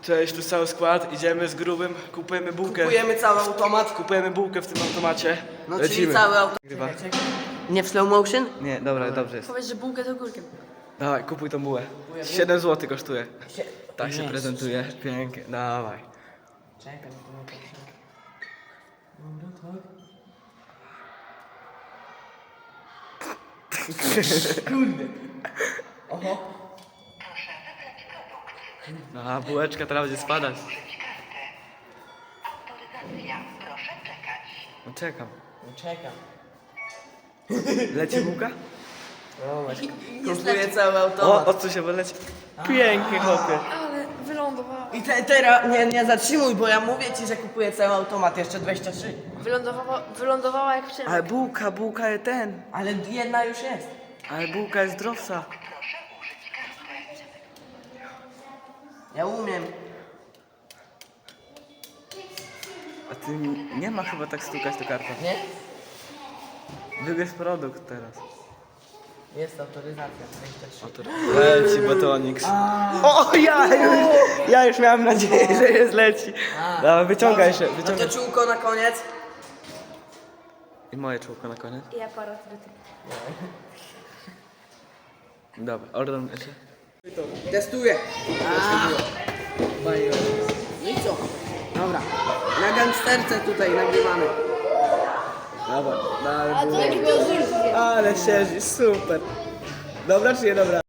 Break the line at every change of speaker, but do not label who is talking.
Cześć, tu cały skład, idziemy z grubym, kupujemy bułkę.
Kupujemy cały automat.
Kupujemy bułkę w tym automacie.
No
Lecimy.
czyli cały automat.
Chyba.
Nie w slow motion?
Nie, dobra, dobrze jest.
Powiedz, że bułkę to górkiem.
Dawaj, kupuj tą bułę. 7 zł kosztuje. Tak się
Nie,
prezentuje, pięknie, dawaj.
Czekaj, Kurde. Oho.
A bułeczka teraz będzie spadać.
Autoryzacja, proszę czekać.
No czekam.
No czekam.
Leci bułka?
No właśnie. Kupuję cały automat.
O co się wyleci? Pięknie, chłopie.
Ale wylądowała.
I teraz nie zatrzymuj, bo ja mówię ci, że kupuję cały automat, jeszcze 23.
Wylądowała jak Przemek.
Ale bułka jest ten.
Ale jedna już jest.
Ale bułka jest zdrowsza.
Proszę użyć karty.
Ja umiem.
A ty nie ma chyba tak stukać do kartę.
Nie?
Wybierz produkt teraz.
Jest autoryzacja, 23.
Leci batonik. O, ja już miałem nadzieję, że jest leci. Dawaj, wyciągaj się,
No
wyciągaj.
to czółko na koniec.
I moje czółko na koniec.
I aparat do tego.
Dobra, ordon jeszcze.
Testuję. No i co? Dobra. Na gangsterce tutaj nagrywamy.
Dobra, dawaj.
A to jaki to
Ale siedzi, super. Dobra czy nie dobra?